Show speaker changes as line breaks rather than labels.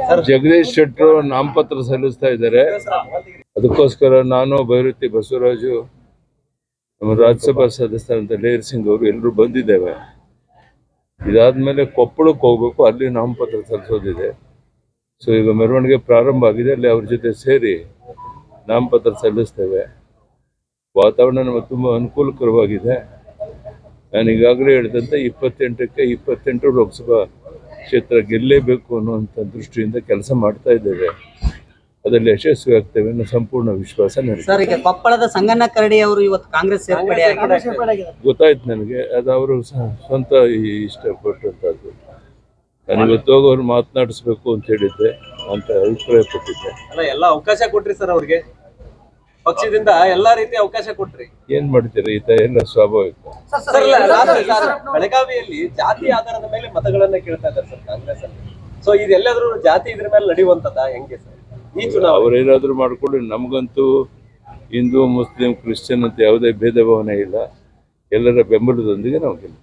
ಜಗದೀಶ್ ಶೆಟ್ಟರು ನಾಮಪತ್ರ ಸಲ್ಲಿಸ್ತಾ ಇದ್ದಾರೆ. ಅದಕ್ಕೋಸ್ಕರ ನಾನು ಭೈರತಿ ಬಸವರಾಜು, ನಮ್ಮ ರಾಜ್ಯಸಭಾ ಸದಸ್ಯರಂತ ಲೇರ್ ಸಿಂಗ್ ಅವರು ಎಲ್ಲರೂ ಬಂದಿದ್ದೇವೆ. ಇದಾದ್ಮೇಲೆ ಕೊಪ್ಪಳಕ್ಕೆ ಹೋಗ್ಬೇಕು, ಅಲ್ಲಿ ನಾಮಪತ್ರ ಸಲ್ಲಿಸೋದಿದೆ. ಸೊ ಈಗ ಮೆರವಣಿಗೆ ಪ್ರಾರಂಭ ಆಗಿದೆ, ಅಲ್ಲಿ ಅವ್ರ ಜೊತೆ ಸೇರಿ ನಾಮಪತ್ರ ಸಲ್ಲಿಸ್ತೇವೆ. ವಾತಾವರಣ ನಮಗೆ ತುಂಬ ಅನುಕೂಲಕರವಾಗಿದೆ. ನಾನು ಈಗಾಗಲೇ ಹೇಳಿದಂತೆ 28ಕ್ಕೆ 28 ಲೋಕಸಭಾ ಕ್ಷೇತ್ರ ಗೆಲ್ಲೇಬೇಕು ಅನ್ನುವಂಥ ದೃಷ್ಟಿಯಿಂದ ಕೆಲಸ ಮಾಡ್ತಾ ಇದ್ದೇವೆ. ಅದರಲ್ಲಿ ಯಶಸ್ವಿ ಆಗ್ತೇವೆ ಅನ್ನೋ ಸಂಪೂರ್ಣ ವಿಶ್ವಾಸ ನನಗೆ.
ಸರ್, ಈಗ ಕೊಪ್ಪಳದ ಸಂಗಣ್ಣ ಕರಡಿ ಅವರು ಇವತ್ತು ಕಾಂಗ್ರೆಸ್ ಸೇರ್ಪಡೆ
ಗೊತ್ತಾಯ್ತು ನನಗೆ. ಅದು ಅವರು ಸ್ವಂತ ಇಷ್ಟಪಟ್ಟಂಥದ್ದು. ನಾನು ಇವತ್ತು ಹೋಗಿ ಅವ್ರು ಮಾತನಾಡಿಸ್ಬೇಕು ಅಂತ ಹೇಳಿದ್ದೆ, ಅಂತ ಅಭಿಪ್ರಾಯ ಪಟ್ಟಿದ್ದೆ.
ಎಲ್ಲ ಅವಕಾಶ ಕೊಟ್ರಿ ಸರ್, ಅವ್ರಿಗೆ ಪಕ್ಷದಿಂದ ಎಲ್ಲಾ ರೀತಿ ಅವಕಾಶ ಕೊಟ್ರಿ.
ಏನ್ ಮಾಡ್ತೀರಿ, ಈ ಎಲ್ಲ ಸ್ವಾಭಾವಿಕ.
ಬೆಳಗಾವಿಯಲ್ಲಿ ಜಾತಿ ಆಧಾರದ ಮೇಲೆ ಮತಗಳನ್ನ ಕೇಳ್ತಾ ಇದ್ದಾರೆ ಸರ್ ಕಾಂಗ್ರೆಸ್ ಅಲ್ಲಿ. ಸೊ ಇದೆಲ್ಲಾದ್ರೂ ಜಾತಿ ಇದ್ರ ಮೇಲೆ ನಡೆಯುವಂತದ ಹೆಂಗೆ ಸರ್ ಈ ಚುನಾವಣೆ?
ಅವ್ರೇನಾದ್ರೂ ಮಾಡ್ಕೊಳ್ಳಿ, ನಮಗಂತೂ ಹಿಂದೂ ಮುಸ್ಲಿಂ ಕ್ರಿಶ್ಚಿಯನ್ ಅಂತ ಯಾವುದೇ ಭೇದ ಭಾವನೆ ಇಲ್ಲ. ಎಲ್ಲರ ಬೆಂಬಲದೊಂದಿಗೆ ನಾವು